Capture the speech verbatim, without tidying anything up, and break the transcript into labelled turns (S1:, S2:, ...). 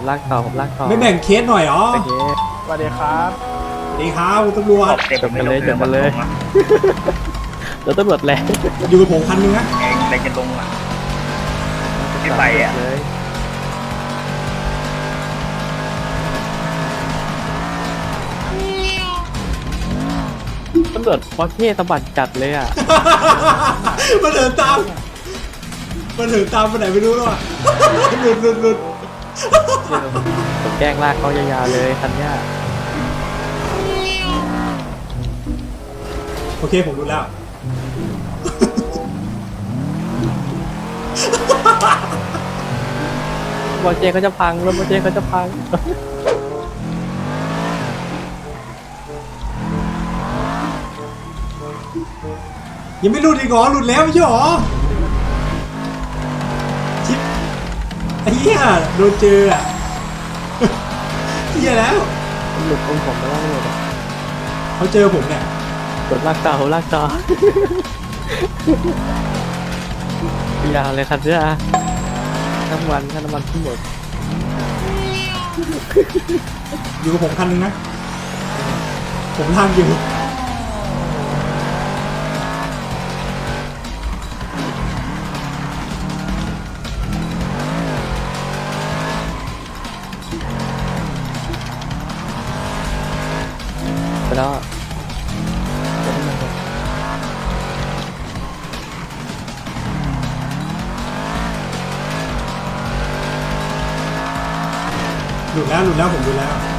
S1: ลากต่อผมลากต่อ
S2: ไม่แบ่งเคสหน่อยเหรอ
S1: โอเค
S3: สวัสดีครับ
S2: สวัสดีครับคุณตำรวจ
S1: จบกันเลยจบกันเลยรถตำรวจแรง
S2: อยู่กับผมคันนึงนะ
S4: เองอะไรจะลงอ่ะที่ไปอ่ะ
S1: เลยตำรวจพอเท่สะบัดจัดเลยอ่ะ
S2: มันเดินตามมันเดินตามไปไหนไม่รู้แล้วอ่ะหลุดหลุดหลุด
S1: ผมแกล้งลากเขายาวๆเลยคันเนี้ย
S2: โอเคผมรู้แล้ว
S1: บอลเจเขาจะพังรถบอลเจเขาจะพัง
S2: ยังไม่หลุดอีกเหรอหลุดแล้วไม่ใช่เหรอชิปไอ้เหี้ยโดนเจออ่ะเหี้ยแล้ว
S1: มันหลุดองผมไปแล้วไม่หลุดอะ
S2: เขาเจอผมเนี่ย
S1: กดลากต่อลากต่อ ยาวเลยคันเนี้ยน้ำมันค่าน้ำมันทั้งหมด
S2: อยู่กับผมคันนึงนะผมทางอยู่
S1: ไปแล้ว
S2: หลุดแล้วหลุดแล้วผมหลุดแล้ว